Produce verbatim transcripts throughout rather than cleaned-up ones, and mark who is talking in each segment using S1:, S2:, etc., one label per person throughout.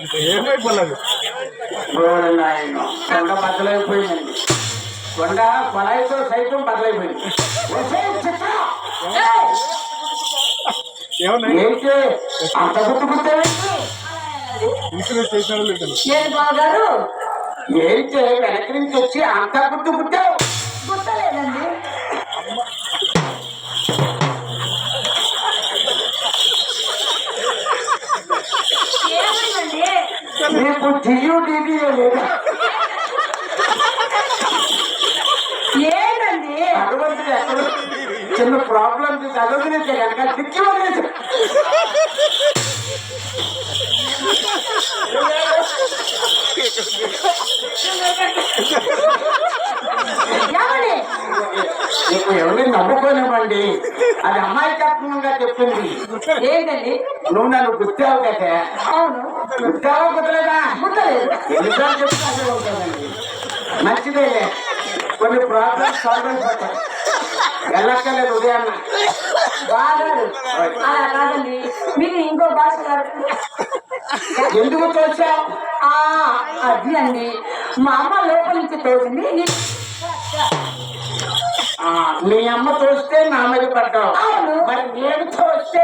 S1: ఏమైపోలేదు కొండ బద్దలైపోయిందండి. కొండ కొలాయితో సైతం బద్దలైపోయింది. ఏంటి అంత గుర్తుకుంటే
S2: బాగారు
S1: ఏంటి వెనక నుంచి వచ్చి అంత గుర్తు పుట్టావు?
S2: గుర్తలేదండి. ఏమైందండి?
S1: నీకు జియో టీవీ లేదు.
S2: ఏంటండి
S1: అటువంటి ఎక్కడ చిన్న ప్రాబ్లం చదువుకునే కనుక దిక్కి వదిలేదు. నీకు ఎవరిని నమ్ముకోనివ్వండి. అది అమాయకత్వంగా చెప్పింది.
S2: ఏంటండి?
S1: నువ్వు నన్ను గుర్తావు కదా.
S2: అవును.
S1: గుర్తావా కుదరదా?
S2: గుర్తలేదు.
S1: ఎన్నిసార్లు చెప్తే అదే ఉంటుందండి. మంచిదే. కొన్ని ప్రాబ్లమ్స్ సాల్వ్ అయిపోతాయి. వెళ్ళక్కర్లేదు ఉదయాన్న.
S2: బాగారు అలా కాదండి, మీరు ఇంకో భాష
S1: ఎందుకు తోచావు?
S2: అది అండి, మా అమ్మ లోపల నుంచి తోచింది.
S1: మీ అమ్మ తోస్తే నా మీద పడ్డావు.
S2: అవును.
S1: మరి నేను తోస్తే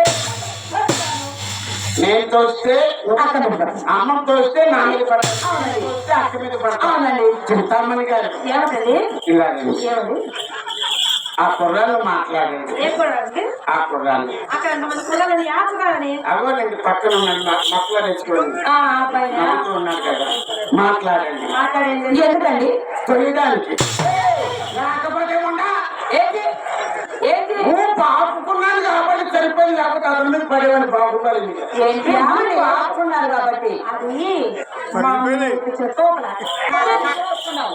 S1: నేను తోస్తే
S2: అక్క మీద పడ్డాను.
S1: అమ్మ తోస్తే నా మీద పడ్డావు.
S2: అవునండి.
S1: తోస్తే అక్క మీద పడ్డావు.
S2: అవునండి.
S1: చింతామణి గారు
S2: ఏమిటండి?
S1: ఇలాగండి.
S2: ఏమండి?
S1: ఆ కుర్రాళ్ళు మాట్లాడండి.
S2: ఏ కుర్రాడండి?
S1: ఆ కుర్రాళ్ళు
S2: అక్కడ ఎంతమంది కుర్రాలని? ఆ కుర్రాలని
S1: అవ్వనండి. పక్కన ఉన్నాడు మొక్కలు తెచ్చుకోండి.
S2: ఆ అబ్బాయి
S1: నవ్వుతూ ఉన్నాడు కదా. మాట్లాడండి.
S2: మాట్లాడేది ఎందుకండి?
S1: తొయ్యడానికి. లేకపోతే ఉండా
S2: ఏంటి ఏంటి
S1: ఆపుకున్నాను కాబట్టి సరిపోయింది. లేకపోతే అతని మీద పడేవాడి బాగుపడి
S2: ఏంటి ఆపుకున్నారు కాబట్టి అది చెప్పుకున్నావు.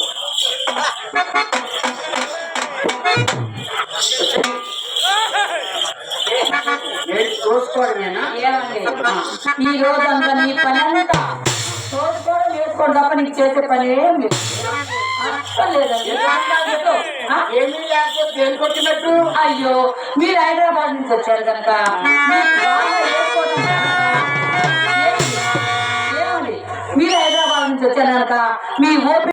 S1: చూసుకోవడమేనా?
S2: ఏమండి, ఈ రోజంతా నీ పని అంతా చూసుకోవడం వేసుకోవడం తప్ప నీకు చేసే పని ఏం లేదు.
S1: ఏమీ లేకపోతే దేనికి వచ్చినట్టు?
S2: అయ్యో, మీరు హైదరాబాద్ నుంచి వచ్చారు కనుక ఏమండి, మీరు హైదరాబాద్ నుంచి వచ్చారు కనుక మీ ఓపిక